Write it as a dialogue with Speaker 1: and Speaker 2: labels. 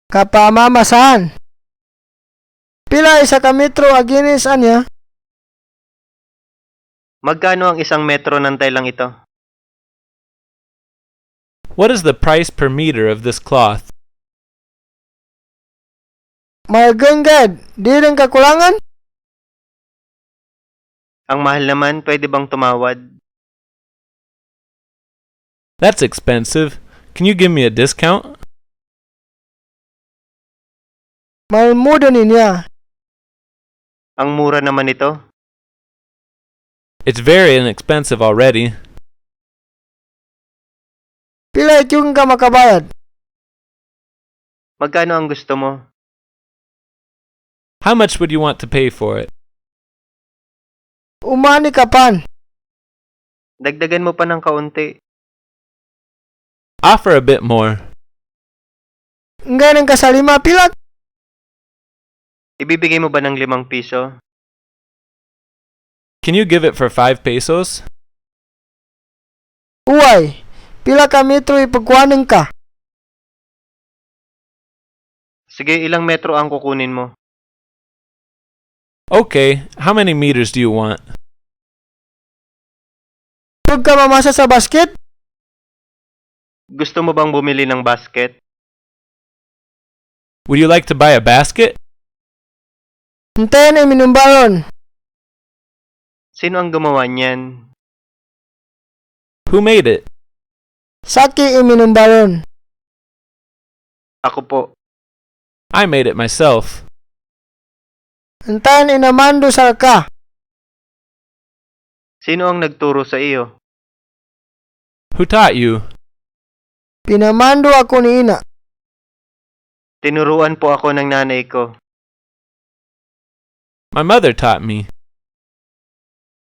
Speaker 1: kapamamasahan. Pila isa ka metro aginis anya?
Speaker 2: Magkano ang 1 metro ng telang ito?
Speaker 3: What is the price per meter of this cloth?
Speaker 1: My gad, di rin kakulangan?
Speaker 2: Ang mahal naman, pwede bang tumawad?
Speaker 3: That's expensive. Can you give me a discount?
Speaker 1: Mahal muda niya.
Speaker 2: Ang mura naman ito.
Speaker 3: It's very inexpensive already.
Speaker 1: Pila yung ka makabayad?
Speaker 2: Magkano ang gusto mo?
Speaker 3: How much would you want to pay for it?
Speaker 1: Umani ka pan.
Speaker 2: Dagdagan mo pa ng kaunti.
Speaker 3: Offer a bit more.
Speaker 1: Ganun ka sa 5 pila?
Speaker 2: Ibibigay mo ba ng 5 piso?
Speaker 3: Can you give it for 5 pesos?
Speaker 1: Uway, pila ka metro ipagkuhanan ka?
Speaker 2: Sige, ilang metro ang kukunin mo?
Speaker 3: Okay, how many meters do you want?
Speaker 1: Huwag ka mamasa sa basket?
Speaker 2: Gusto mo bang bumili ng basket?
Speaker 3: Would you like to buy a basket?
Speaker 1: Hintayin ay minumbalon.
Speaker 2: Sino ang gumawa niyan?
Speaker 3: Who made it?
Speaker 1: Saki ay minumbalon.
Speaker 2: Ako po.
Speaker 3: I made it myself.
Speaker 1: Hintayin ay namando sa ka.
Speaker 2: Sino ang nagturo sa iyo?
Speaker 3: Who taught you?
Speaker 1: Pinamando ako ni ina.
Speaker 2: Tinuruan po ako ng nanay ko.
Speaker 3: My mother taught me.